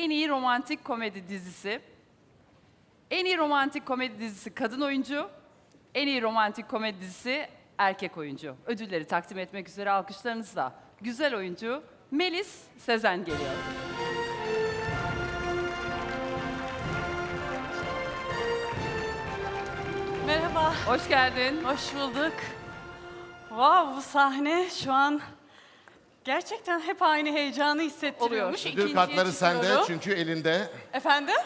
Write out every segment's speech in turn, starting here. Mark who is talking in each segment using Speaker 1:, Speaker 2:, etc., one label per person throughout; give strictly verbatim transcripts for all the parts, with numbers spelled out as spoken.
Speaker 1: en iyi romantik komedi dizisi, en iyi romantik komedi dizisi kadın oyuncu, en iyi romantik komedi dizisi erkek oyuncu. Ödülleri takdim etmek üzere alkışlarınızla güzel oyuncu Melis Sezen geliyor.
Speaker 2: Merhaba,
Speaker 1: Hoş geldin.
Speaker 2: hoş bulduk. Wow, bu sahne şu an gerçekten hep aynı heyecanı hissettiriyormuş.
Speaker 1: Oluyor.
Speaker 2: İkinciye
Speaker 3: Ödül kartları sende
Speaker 2: çıkıyorum.
Speaker 3: çünkü elinde.
Speaker 2: Efendim?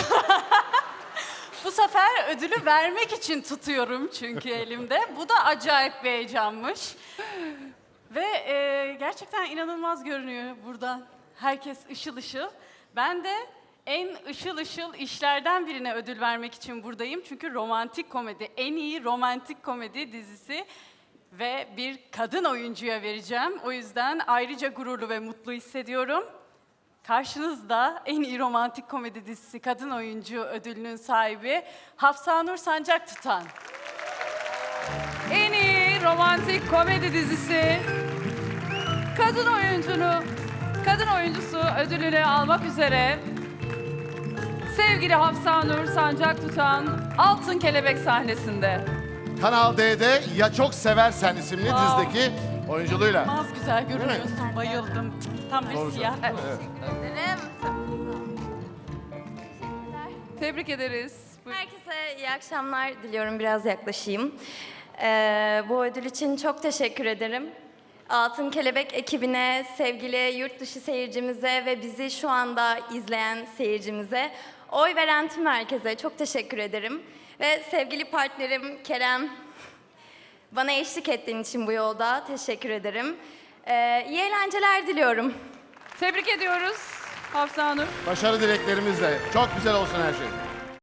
Speaker 2: Bu sefer ödülü vermek için tutuyorum çünkü elimde. Bu da acayip bir heyecanmış. Ve e, gerçekten inanılmaz görünüyor buradan. Herkes ışıl ışıl. Ben de en ışıl ışıl işlerden birine ödül vermek için buradayım. Çünkü romantik komedi, en iyi romantik komedi dizisi ve bir kadın oyuncuya vereceğim. O yüzden ayrıca gururlu ve mutlu hissediyorum. Karşınızda en iyi romantik komedi dizisi kadın oyuncu ödülünün sahibi Hafsanur Sancaktutan.
Speaker 1: En iyi romantik komedi dizisi kadın oyuncunu, kadın oyuncusu ödülünü almak üzere sevgili Hafsanur Sancaktutan Altın Kelebek sahnesinde.
Speaker 3: Kanal D'de Ya Çok Seversen isimli
Speaker 2: Wow.
Speaker 3: dizideki oyunculuğuyla.
Speaker 2: İnanılmaz güzel görünüyorsun. Bayıldım. Tam bir
Speaker 3: Doğru
Speaker 2: siyah.
Speaker 3: söylüyorsun. Evet.
Speaker 1: Tebrik ederiz. Buyurun.
Speaker 4: Herkese iyi akşamlar diliyorum. Biraz yaklaşayım. Ee, bu ödül için çok teşekkür ederim. Altın Kelebek ekibine, sevgili yurt dışı seyircimize ve bizi şu anda izleyen seyircimize, oy veren tüm herkese çok teşekkür ederim. Ve sevgili partnerim Kerem, bana eşlik ettiğin için bu yolda teşekkür ederim. Ee, iyi eğlenceler diliyorum.
Speaker 1: Tebrik ediyoruz Hafsanur.
Speaker 3: Başarı dileklerimizle. Çok güzel olsun her şey.